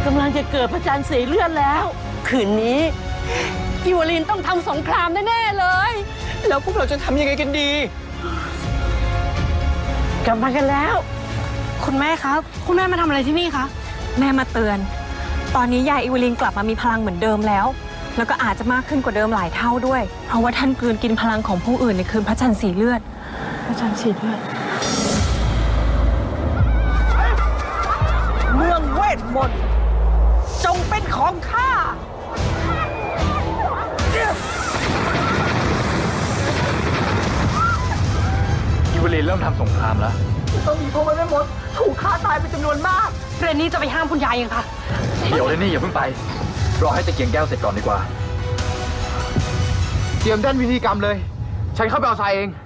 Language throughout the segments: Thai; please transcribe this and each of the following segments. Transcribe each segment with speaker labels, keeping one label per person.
Speaker 1: กำลังจะเกิดพระจันทร์สีเลือดแล้ว คืนนี้อิวลินต้องทำสงครามแน่ๆเลย
Speaker 2: แล้วพวกเราจะทำยังไงกันดี
Speaker 1: กลับมากันแล้ว
Speaker 3: คุณแม่ครับคุณแม่มาทำอะไรที่นี่คะแม่มาเตือนตอนนี้ยายอิวลินกลับมามีพลังเหมือนเดิมแล้วก็อาจจะมากขึ้นกว่าเดิมหลายเท่าด้วยเพราะว่าท่านกลืนกินพลังของผู้อื่นในคืนพระจันทร์สีเลือด
Speaker 1: พระจันทร์สีเลือด
Speaker 2: เมืองเวทมนต์จงเป็นของข้า
Speaker 4: อิวลินเริ่มทำสงครามแล้ว
Speaker 2: ต้องมีพวกมันไม่หมดถูกฆ่าตายเป็นจำนวนมาก
Speaker 3: เรนนี่จะไปห้ามคุณยายยังคะ
Speaker 4: เดี๋ยวเลยนี่อย่าเพิ่งไปรอให้ตะเกียงแก้วเสร็จก่อนดีกว่าเตรียมด้านวิธีกรรมเลยฉันเข้าไปเอาทรายเอง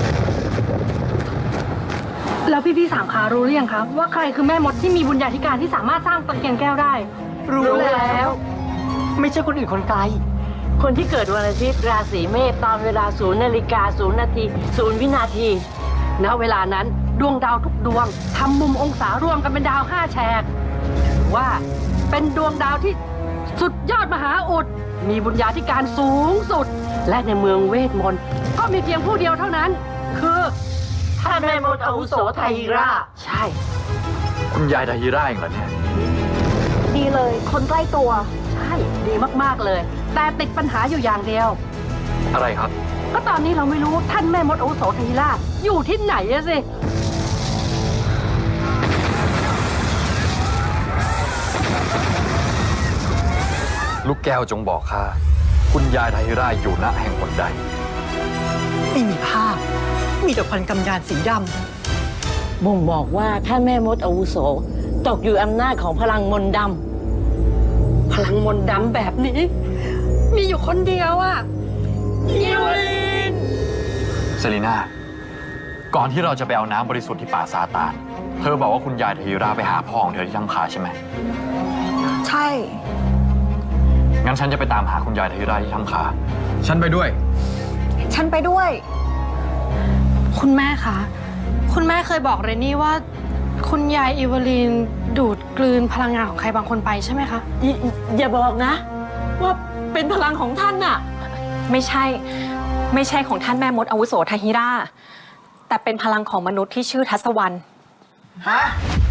Speaker 3: แล้วพี่สามขารู้หรือยังคะว่าใครคือแม่มดที่มีบุญญาธิการที่สามารถสร้างตะเกียงแก้วได้
Speaker 2: รู้แล้วไม่ใช่คนอื่นคนไกล
Speaker 1: คนที่เกิดวันอาทิตย์ราศีเมษตอนเวลา0 นาฬิกา 0 นาที 0 วินาทีณเวลานั้นดวงดาวทุกดวงทำมุมองศารวมกันเป็นดาว5 แฉกถือว่าเป็นดวงดาวที่สุดยอดมหาอุดมีบุญญาธิการสูงสุดและในเมืองเวทมนต์ก็มีเพียงผู้เดียวเท่านั้นคือท่านแม่มดอาวุโสไทฮิราใช่
Speaker 4: คุณยายไทฮิราเองเหรอเนี่ย
Speaker 3: ดีเลยคนใกล้ตัว
Speaker 1: ใช่ดีมากๆเลยแต่ติดปัญหาอยู่อย่างเดียว
Speaker 4: อะไรครับ
Speaker 1: ก็ตอนนี้เราไม่รู้ท่านแม่มดอาวุโสไทฮิราอยู่ที่ไหนอะสิ
Speaker 4: ลูกแก้วจงบอกข้าคุณยายไทฮิราอยู่ณแห่งหนใด
Speaker 2: ไม่มีภาพมีแต่ควันกำยานสีดำ
Speaker 1: บ่งบอกว่าท่านแม่มดอาวุโสตกอยู่อำนาจของพลังมนต์ดำพลังมนต์ดำแบบนี้มีอยู่คนเดียวอะอิวลิน
Speaker 4: เซรีนาก่อนที่เราจะไปเอาน้ำบริสุทธิ์ที่ป่าซาตานเธอบอกว่าคุณยายไทฮิราไปหาพ่อของเธอที่ถ้ำคาใช่ไหม
Speaker 3: ใช่
Speaker 4: งั้นฉันจะไปตามหาคุณยายไทฮิราที่ถ้ำคาฉันไปด้วย
Speaker 3: ฉันไปด้วยคุณแม่คะคุณแม่เคยบอกเรนนี่ว่าคุณยายอิวลินดูดกลืนพลังงานของใครบางคนไปใช่ไหมคะ
Speaker 1: อย่าบอกนะว่าเป็นพลังของท่านน่ะ
Speaker 3: ไม่ใช่ของท่านแม่มดอาวุโสไทฮิราแต่เป็นพลังของมนุษย์ที่ชื่อทัศวรรณ
Speaker 2: ฮะ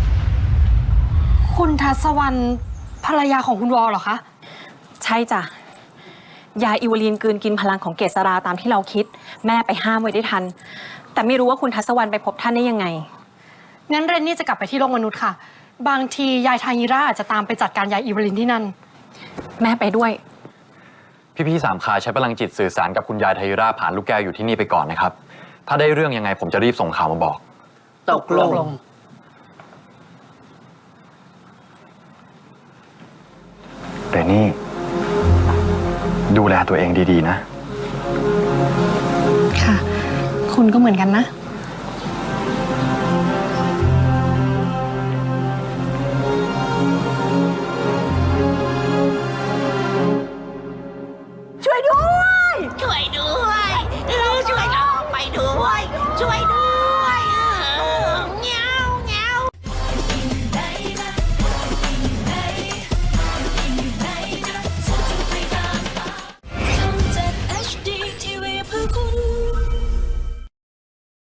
Speaker 3: คุณทัศวรรณภรรยาของคุณวอลเหรอคะใช่จ้ะยายอิวลินกลืนกินพลังของเกษราตามที่เราคิดแม่ไปห้ามไว้ได้ทันแต่ไม่รู้ว่าคุณทัศวรรณไปพบท่านได้ยังไงงั้นเรนนี่จะกลับไปที่โลกมนุษย์ค่ะบางทียายไทฮิราอาจจะตามไปจัดการยายอิวลินที่นั่นแม่ไปด้วย
Speaker 4: พี่สามขาใช้พลังจิตสื่อสารกับคุณยายไทฮิราผ่านลูกแก้วอยู่ที่นี่ไปก่อนนะครับถ้าได้เรื่องยังไงผมจะรีบส่งข่าวมาบอก
Speaker 1: ตกลง
Speaker 4: เรนนี่ดูแลตัวเองดีๆนะ
Speaker 3: ค่ะคุณก็เหมือนกันนะ